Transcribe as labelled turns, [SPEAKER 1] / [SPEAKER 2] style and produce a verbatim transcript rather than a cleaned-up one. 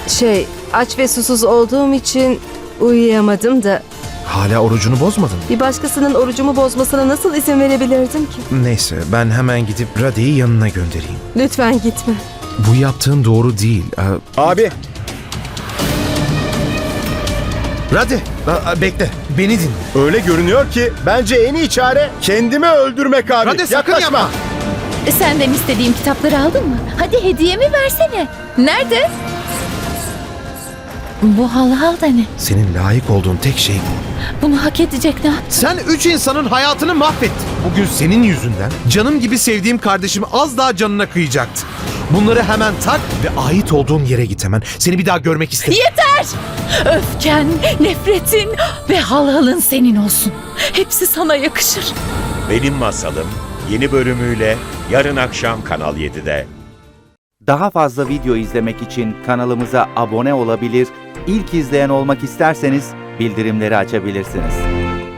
[SPEAKER 1] Şey, aç ve susuz olduğum için uyuyamadım da
[SPEAKER 2] Hala orucunu bozmadın mı?
[SPEAKER 1] bir başkasının orucumu bozmasına nasıl izin verebilirdim ki?
[SPEAKER 2] Neyse, ben hemen gidip Radhi'yi yanına göndereyim.
[SPEAKER 1] Lütfen gitme.
[SPEAKER 2] Bu yaptığın doğru değil. Aa,
[SPEAKER 3] Abi,
[SPEAKER 2] Radhi, aa, bekle. Beni dinle.
[SPEAKER 3] öyle görünüyor ki bence en iyi çare kendimi öldürmek abi.
[SPEAKER 2] Radhi, sakın
[SPEAKER 3] Yaklaşma.
[SPEAKER 2] yapma.
[SPEAKER 4] E, Senden istediğim kitapları aldın mı? Hadi hediyemi versene. Nerede? Bu halhal da ne?
[SPEAKER 2] Senin layık olduğun tek şey bu.
[SPEAKER 4] Bunu hak edecek ne?
[SPEAKER 2] Sen üç insanın hayatını mahvettin. Bugün senin yüzünden canım gibi sevdiğim kardeşim az daha canına kıyacaktı. Bunları hemen tak ve ait olduğun yere git hemen. Seni bir daha görmek istemiyorum.
[SPEAKER 4] Yeter! Öfken, nefretin ve halhalın senin olsun. Hepsi sana yakışır.
[SPEAKER 5] Benim Masalım yeni bölümüyle yarın akşam Kanal yedide.
[SPEAKER 6] Daha fazla video izlemek için kanalımıza abone olabilir, ilk izleyen olmak isterseniz bildirimleri açabilirsiniz.